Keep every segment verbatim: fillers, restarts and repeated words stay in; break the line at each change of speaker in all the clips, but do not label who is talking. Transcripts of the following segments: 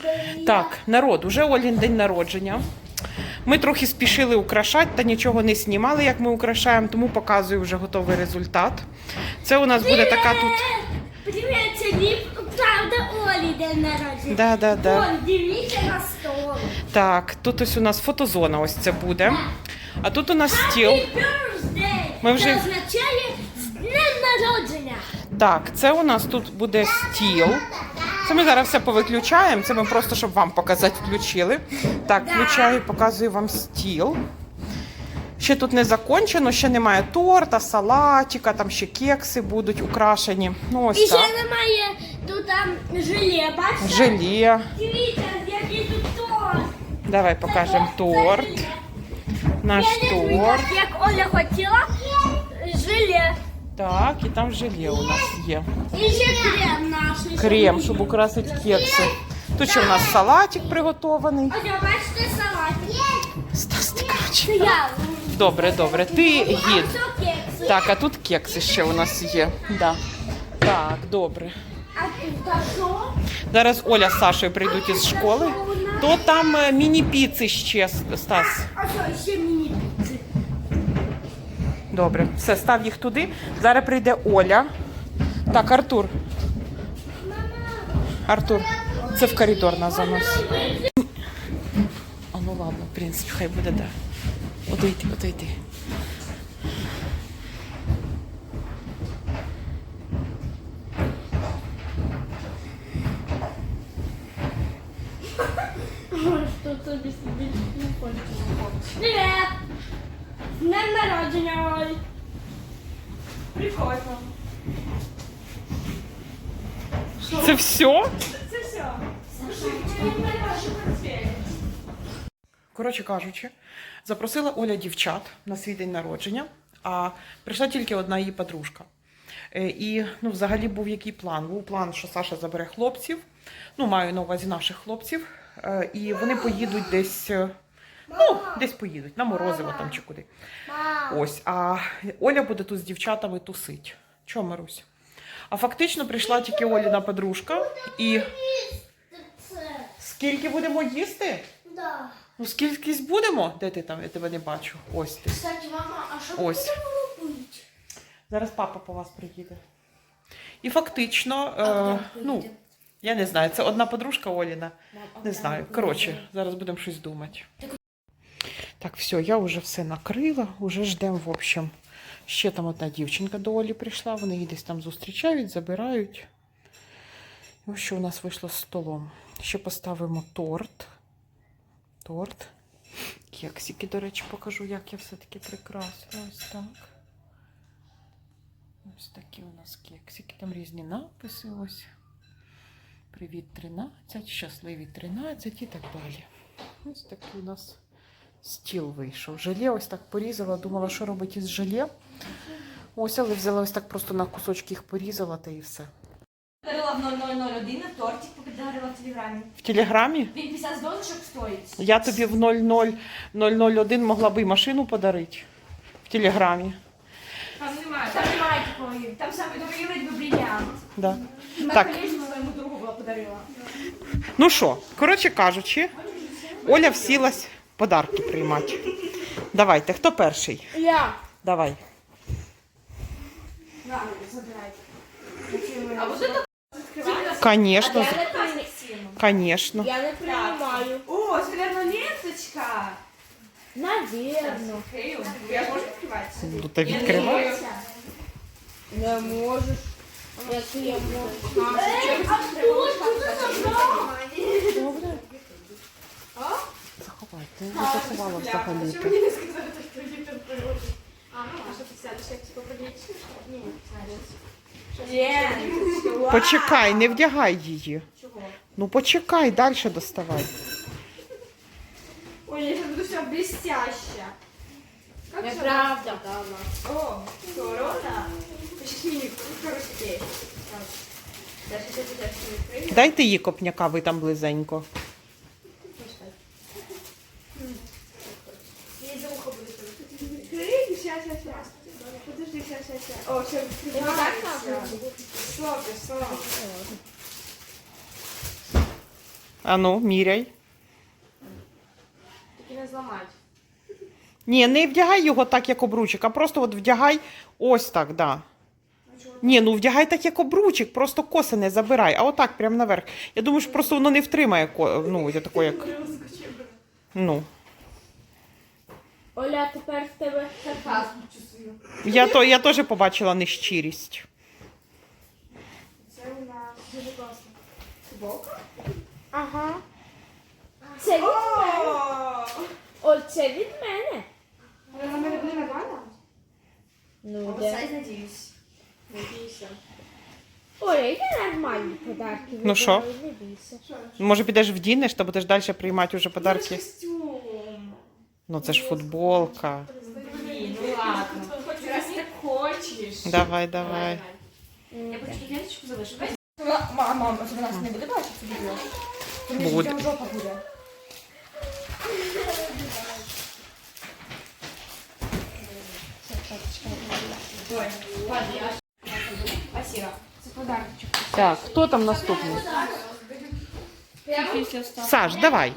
Так, народ, уже Олін день народження. Ми трохи спішили украшати, та нічого не знімали, як ми украшаємо, тому показую вже готовий результат. Це у нас буде така тут...
Привіт, сьогодні, правда, Олі день народження.
Да, да, да.
Вон, дивіться на стол.
Так, тут ось у нас фотозона, ось це буде. А тут у нас стіл.
Happy birthday!
Ми вже...
Це означає з днем народження.
Так, це у нас тут буде стіл. Це ми зараз все повиключаємо, це ми просто, щоб вам показати, включили. Так, включаю, показую вам стіл. Ще тут не закончено, ще немає торта, салатика, там ще кекси будуть украшені. Ну, ось
І ще
так.
немає тут там желе, бачите?
Желе.
Дивіться, який тут торт.
Давай покажемо торт. Наш
Я не люблю,
торт.
як Оля хотіла, желе.
Так, і там желе у нас є.
І ще крем наш.
Крем, щоб украсити кекси. Тут ще у нас салатик приготований.
Ось, бачите, салат.
Стас, ти, коротше.
Це я.
Добре, добре. Ти гід.
А це кекси.
Так, а тут кекси ще у нас є. Да. Так, добре.
А тут що?
Зараз Оля з Сашою прийдуть із школи. То там е, міні-піци ще, Стас.
А що, ще міні-піци?
Добре, все, став їх туди. Зараз прийде Оля. Так, Артур. Артур, це в коридор нас заносить. А ну ладно, в принципі, хай буде, да. Одійди, одійди.
Що тобі собі не хочеш? Привіт! З днем народження, Оль!
Прикольно.
Це все?
Це все. Слушай, я не знаю ваші портфелі.
Коротше кажучи, запросила Оля дівчат на свій день народження, а прийшла тільки одна її подружка. Е, І, ну, взагалі був який план? Був план, що Саша забере хлопців, ну, маю на увазі наших хлопців, е, і вони поїдуть десь, е, ну, десь поїдуть, на Морозиво там чи куди. Ось, а Оля буде тут з дівчатами тусить. Чого, Марусь? А фактично прийшла тільки Оліна подружка, і скільки будемо їсти?
Да.
Ну, скількись будемо? Де ти там? Я тебе не бачу. Ось ти.
Кстати, мама, а що
Ось.
будемо робити?
Зараз папа по вас приїде. І фактично,
А
е,
куди
ну,
поїде?
я не знаю, це одна подружка Оліна.
Мам, а
Не
куди
знаю.
ми
Коротше,
поїдемо?
зараз будемо щось думати. Так, все, я вже все накрила, вже ждемо, в общем. Ще там одна дівчинка до Олі прийшла, вони її десь там зустрічають, забирають. І ось що у нас вийшло з столом. Ще поставимо торт. Торт. Кексики, до речі, покажу, як я все-таки прикрасила. Ось так. Ось такі у нас кексики. Там різні написи. Ось. Привіт, тринадцять, щасливі тринадцять і так далі. Ось такий у нас стіл вийшов. Желе ось так порізала. Думала, що робити із желе. Ось, але взяла ось так просто на кусочки їх порізала, та і все.
Подарила в нуль нуль нуль один, тортик подарила в Телеграмі.
В Телеграмі?
Він п'ятдесят донышок стоїть.
Я тобі в нуль нуль нуль один могла би і машину подарити. В Телеграмі.
Там немає. Там немає такої. Там саме добрий вид би бриллиант.
Да.
На
Так.
колечко своєму другу була подарила.
Ну що, коротше кажучи, Оля всілась подарки приймати. Давайте, хто перший?
Я.
Давай.
На, забирайте. А вот это открывается?
Конечно,
Я не приймаю.
конечно.
Я не приймаю.
О, це, наверное, ленточка.
Навірно.
Открию. Я можу відкривати?
Ну, то відкривай.
Не можеш. Як я можу.
Добре. Заховай, ти не заховала взагалі.
Чому мені не сказали, що є тут природа? А, ну, а що ти сядеш, як типу прилічиш? Ні, знаєш.
Почекай, не вдягай її.
Чого?
Ну почекай, далі доставай.
Ой, я сейчас буду все блестяще. Как же
Неправда.
она? О, корона. Сейчас мини короче. Даже если ты дальше не открыли.
Дайте їй копняка, ви там близенько.
Я за ухо буду открыть. Сейчас, сейчас, сейчас. Подожди, сейчас, сейчас, сейчас. О, все, открывается. Супер, супер.
А ну, міряй.
Тільки не зламати.
Ні, не вдягай його так, як обручик, а просто от вдягай ось так, да. Ні, ну вдягай так, як обручик, просто коси не забирай, а отак, прямо наверх. Я думаю, що просто воно не втримає, ко- ну, я тако, як, ну.
Оля, тепер в тебе
Сарказм чувствую.
Я, то, я теж побачила нещирість.
Це у нас дуже класно. Футболка?
Ага. Це від мене. Оль, це від мене.
Вона мене буде нормально?
Ну, де?
Оверсайз, надіюсь. Надіюся.
Оля, я нормальні подарки.
Ну що?
вибираю, Не бійся.
Може, підеш вдінеш, та будеш далі приймати вже подарки?
Костюм.
Ну, це ж футболка.
Блін, ну ладно. Раз так хочеш.
Давай, давай.
Я хочу ленточку залишу. Мама, мама, це нас не буде бачити це відео?
Буде.
Там жопа буде. Ой, ладно, я... Спасибо. Це подарочок.
Так, хто там наступний?
Після ста.
Саш, давай.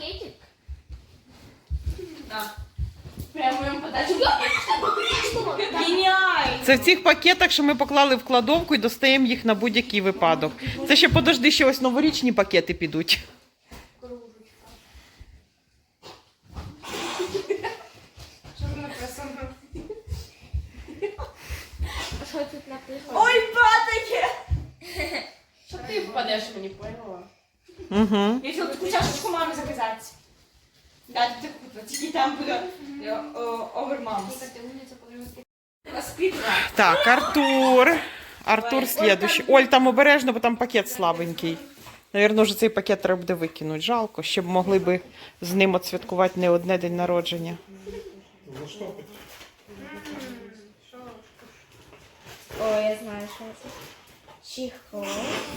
Прямо моєму подарочку. Геніально!
Це в цих пакетах, що ми поклали в кладовку і достаємо їх на будь-який випадок. Це ще подожди, ще ось новорічні пакети підуть.
Що ви написано?
А що тут написано?
Ой, патики! Що ти впадеш, мені поняла?
Угу.
Я хотіла таку чашечку мамі заказати. Да, ти таку, тільки там буде овермамс. Воспитана.
Так, Артур. Артур слідуючий. Оль, там обережно, бо там пакет слабенький. Навірно, вже цей пакет треба буде викинути. Жалко, ще б могли би з ним отсвяткувати не одне день народження.
О, я знаю, що це. Чехол.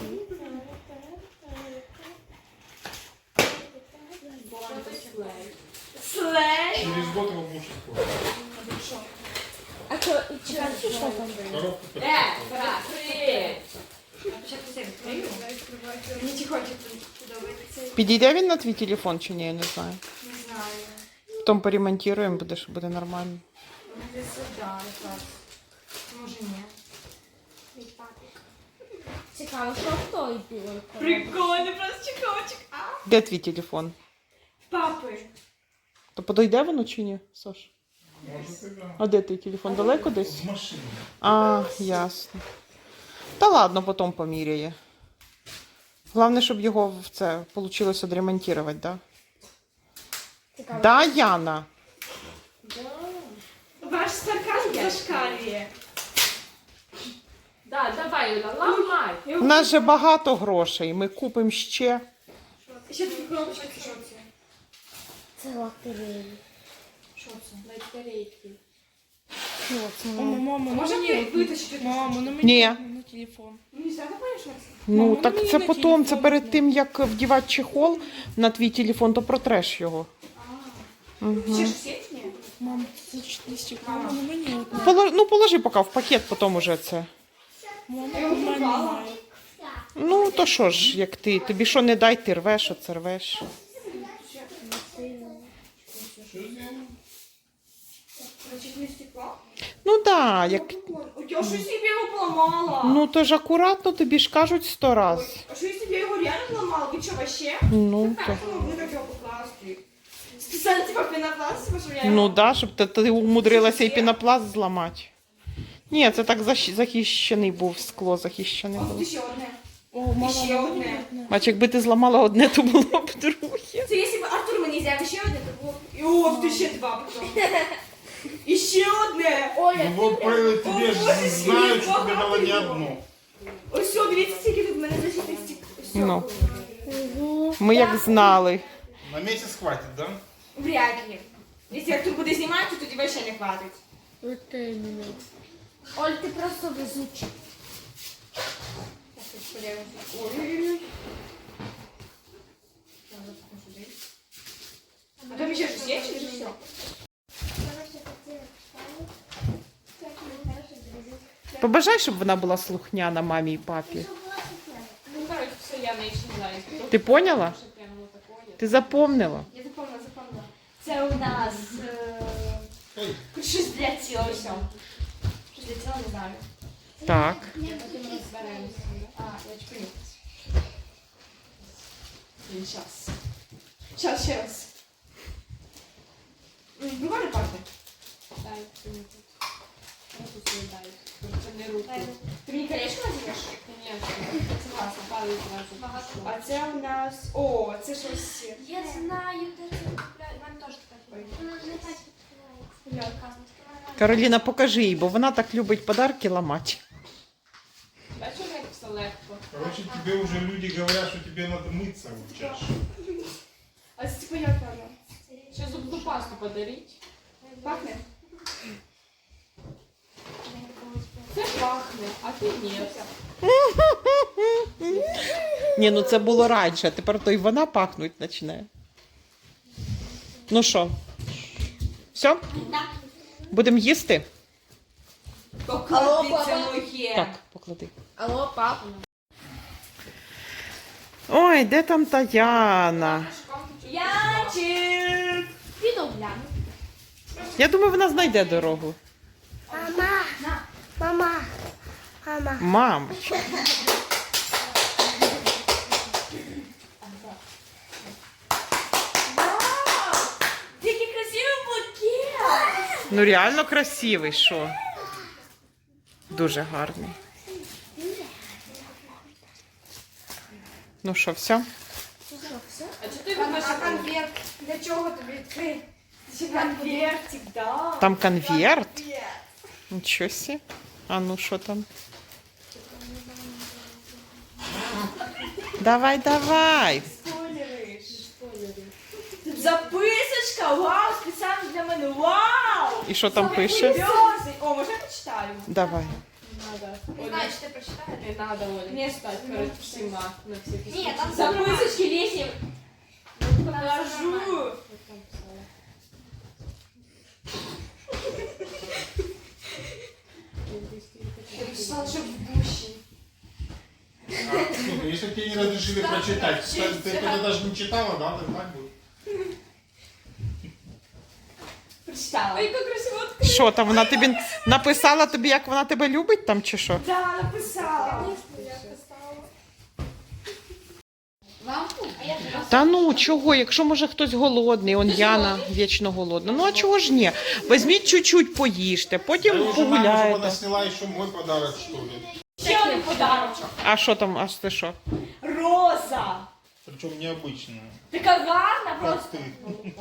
Слей!
Через год его муж испортил.
А що, і чи- що там?
Коробку
Е, брат, привіт! Спочатку себе відкрию. Мені тихонько подобається.
Підійде він на твій телефон чи ні, я не знаю.
Не знаю.
Потім поремонтуємо, буде, що буде нормально.
Може сюди, якраз. Може ні.
Цікаво, що в той білий коробці?
Прикольно, просто чехольчик. А?
Де твій телефон?
Папи.
То подойде воно чи ні, Саш?
Может, и да.
А де твій телефон? Далеко десь?
В машине.
А, ясно. Та ладно, потім поміряє. Головне, щоб його в це вийшло відремонтувати, да?
Цікаво.
Да, Яна?
Ваш сарказм зашкалює.
Да, давай, Юля, ламай.
У нас же багато грошей, ми купимо ще.
Ще такі коробочки, що це?
Це лотерея.
Що це?
Батарейки.
Що це?
Мама,
Може
мені
витащити?
Мама, на мені
Ні.
на телефон.
Мені все одно що це?
Ну,
Мама,
так
мені
це
на
потім,
телефон
це перед
можна.
тим, як вдівати чехол на твій телефон, то протреш його.
Ще ж всі? Ні.
Мам, це чотири стекла, мама, на мені одна.
Поло- Ну, положи поки в пакет, потім уже це.
Мама, у мене немає.
Ну, то що ж, як ти, тобі що не дай, ти рвеш, оце рвеш.
Значить, не стекло?
Ну, да, як...
Ой, я щось собі його поламала.
Ну, то ж акуратно, тобі ж кажуть сто раз.
А що я собі його реально поламала? Ви що, вообще?
Ну, то...
Как ви могли так його покласти? Спеціально типа пенопласт, щоб я
Ну,
його...
да, щоб ти, ти умудрилася і пінопласт зламати. Ні, це так защ- захищений був, скло захищене
Ох,
було.
ти ще одне.
О, мама,
ще
на мені
одне.
одна.
Бач, якби ти зламала одне, то було б друге.
Це якщо б Артур мені взяв ще одне, то було б... І ох, ти ще два потім. І ще одне.
Оля,
Ну вот про тебе
О,
же
боже,
знаю,
скільки
что тебе дала не
багато
одну.
Ось все, дивіться, скільки тут в мене защитних стік. Ось
Ну.
Угу.
Ми як знали.
На месяц хватит, да?
Вряд ли. Якщо Артур буде знімати, то тоді вообще не хватить.
От іменно. Оль, ти просто везуча.
Так, тут подивимося. Ой-ой-ой. А там ще щось є, чи вже все?
Побажай, щоб вона була слухняна мамі і папі.
Ну, короче, все, я не знаю.
Ти поняла?
Прямо так
Ти запомнила?
Я запомнила, запомнила. Це у нас е...
Ой,
щось для тіла ось. Щось для тіла, не знаю.
Так.
Потім розберемося.
А, я чекаю.
Щас.
Щас, ще раз. М, Буквально пахне.
Дай мені тут. Руку свою дай. Це не руку.
Ти мені колечко надієш?
Звісно. Согласна, палець зразу.
А це у нас... О, це щось...
Я знаю, де це купляють. У мене теж таке. Вона не так відкривається.
Кароліна, покажи їй, бо вона так любить подарки ламати.
Бачиш, як все легко.
короче, тебе уже люди говорят, что тебе надо мыться вот чаще.
А це типу як воно?
Ще зубну пасту подаріть.
Пахне?
Це пахне, а ти ні.
Ні, ну це було раніше, а тепер то й вона пахнуть починає. Ну що? Все? Будемо їсти?
Поклади це моє.
Так, поклади.
Алло, папа.
Ой, де там Таяна?
Янчик!
Піду гляну.
Я думаю, вона знайде дорогу.
Мама. Мама. Мама.
Мамочка.
Який красивий букет!
Ну реально красивий, що? Дуже гарний. Ну що, все?
А чи ти вимаєш?
А конверт? Для чого тобі відкрити? Це конвертик, да.
Там конверт? Нічого сі. А ну що там? Давай, давай.
Спойлериш. Тут записочка, вау, спеціально для мене, вау!
І що там пише?
Сльози. О, може я почитаю?
Давай.
Надо.
Не знаю, чи ти прочитаєш.
Не надо, Оля.
Ні,
читати перед всіма. На всякий
Ні,
случай.
там
Записочки лісні. Покажу.
Що там писала?
Я писала, що в душі.
А, слушай, если тебе не разрешили прочитать, ты, ты тогда даже не читала, да? Так, так будет.
Прочитала.
Яка красива.
Що там, вона тобі написала тобі, як вона тебе любить там чи що?
Да, написала.
Вам? А я
Та ну, чого, якщо може хтось голодний, он Яна вічно голодна. Ну а чого ж ні? Візьміть чуть-чуть поїжте,
Я
потім
уже маме, чтобы она
погуляєте.
сняла еще мой подарок, что ли.
Ще один подарочок.
А що там, аж ти що?
Роза.
Причем необычную.
Така гарна
Как
просто.
ты.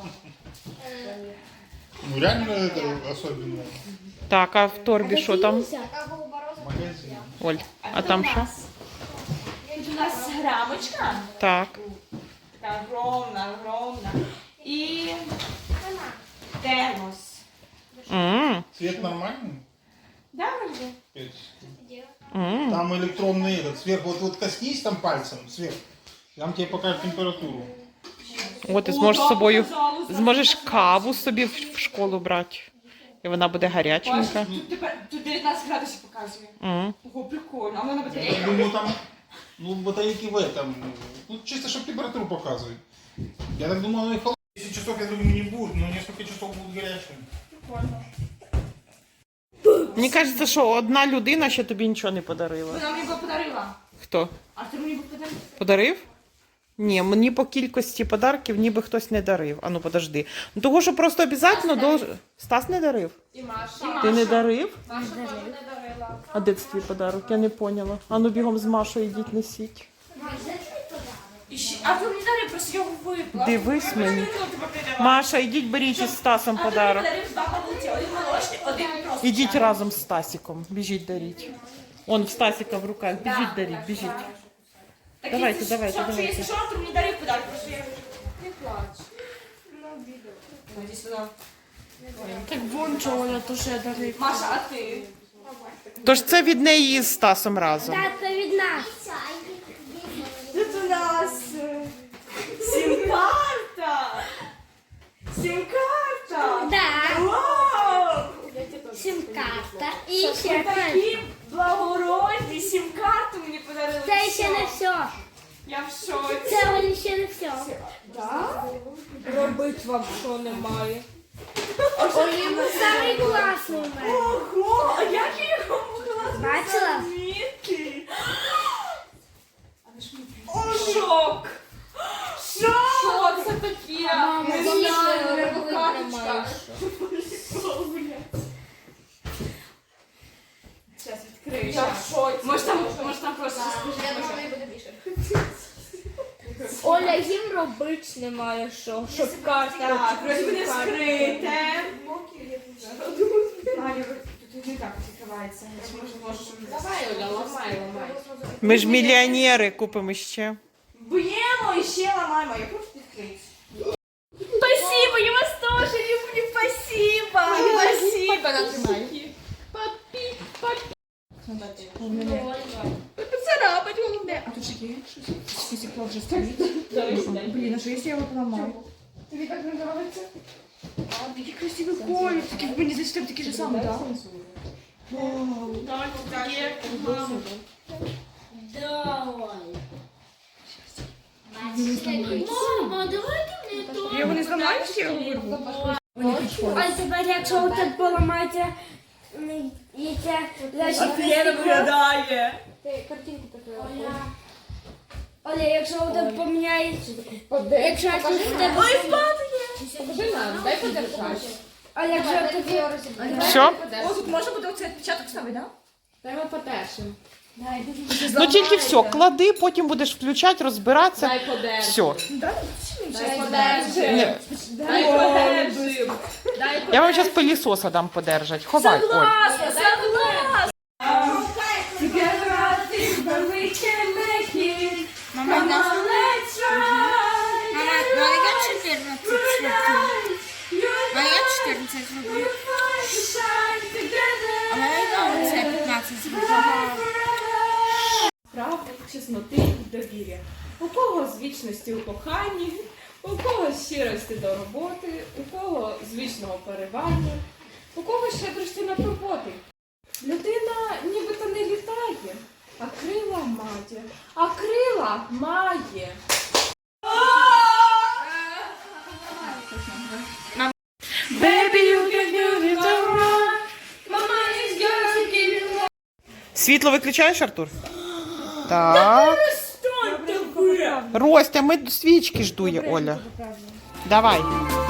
Ну реально это особенно.
Так, а в торбі що там?
Така голуба роза.
Магазин.
Оль, а там що?
Тут у нас грамочка.
Так.
Така огромна, огромна. І термос.
М,
Цвет нормальный?
Да, вроде?
Пять.
м.
Там электронный этот, сверху, вот, вот коснись там пальцем, сверху. Там тебе покажет температуру.
От ти зможеш з собою, зможеш каву собі в в школу брати. І вона буде гаряченька.
Тут, тепер, тут дев'ятнадцять градусів показує.
М.
Ого, прикольно. А вона на
Я
батарейках.
думаю, там, ну, батарейки в этом. Ну, чисто, чтобы температуру показывать. Я так думаю, оно и холодно. десять часов, я думаю, не будет, но несколько часов будут горячими.
Прикольно.
Мені кажеться, що одна людина ще тобі нічого не подарила.
Вона мені би подарила.
Хто?
А ти мені би подарила?
Подарив? Ні, мені по кількості подарків ніби хтось не дарив. А ну подожди. Ну того, що просто обов'язково долж... Стас не дарив?
І Маша.
Ти не дарив?
Маша теж не дарила.
А де це твій подарок? Я не поняла. А ну бігом з Машою йдіть несіть.
І ще- А ти мені дарив, просто його випила.
Дивись мені.
тебе передала.
Маша, ідіть беріть із Стасом
А ти мені
подарок.
подарив два пакети. Один молочний, один просто.
Ідіть
чай.
разом з Стасіком. Біжіть даріть. Он в Стасіка в руках. Біжіть даріть, біжіть.
Так,
Давайте,
якщо
давайте,
що,
давайте.
Якщо що, то мені дарив подарок, просто я...
Не плач.
Ну, іди сюди.
Так вон чого я теж дарив.
Маша, а ти?
Тож це від неї з Стасом разом.
Це від нас.
Тут у нас е, сім-карта. Сім-карта.
Да.
Вау!
Сім-карта. І
Ви
ще
такі благородні, сім-карту мені подарили.
це ще не все.
Я в шоці.
Це вони ще не все.
Робить вам що немає.
Олі, ви самий класний у мене.
Ого, а як я його могла
Бачила?
змінити? О, шок! Шок!
Що це таке?
Мама,
Не
я
знаю,
робити
рибокаточка.
Зараз відкрию.
Я в шоці.
Може там, може там просто
Я думала, неї буде більше.
Оля, їм робить немає що. Щоб карта.
Так, вроді буде скрите. Аня, тут не так відкривається.
Давай, Оля, ламай, ламай.
Ми ж мільйонери, купимо ще.
Б'ємо і ще ламаємо. Я просто відкрию.
Спасибо, я вас тоже люблю, спасибо. Спасибо, нажимай. Папі, папі. Поцарапать головне.
А тут ще є щось? Фізикло вже стоїть. Блін, а що якщо я його поламаю?
Тобі так не подобається?
А, такий красивий колір, такий, мені здається, тебе такий же самий, так?
Мама, давайте мені то.
Я його не зламаю, чи я його вирву?
А тепер, якщо ви тут поламаєте, м, і це лише
виглядає.
Ти картинку таку.
Оля, Оля, якщо ви тут поміняєте, якщо я тут в тебе...
Ой, падає. Покажи нам, дай подержати.
А якщо я тобі...
Все?
О, тут можна буде оцей відпечаток ставити, так?
Дай ми потершим.
Ну тільки все, клади, потім будеш включати, розбиратися.
Дай подержим.
Все.
Дай подержим.
Ні.
Дай подержим. Дай
Я вам зараз пилісоса дам подержать. Ховай, Оль.
подержим. Согласна.
Мама, мама, ну я чотирнадцять зроблю. А я чотирнадцять зроблю. А я це п'ятнадцять зроблю.
Правди, чесноти і довір'я. У кого з вічності у коханні, у кого з щирості до роботи, у кого з вічного поривання, у кого щедрості на турботи. Людина нібито не літає, а крила має. А крила має.
Світло виключаєш, Артур? Так. Ростя, ми свічки ждує, Оля. Давай.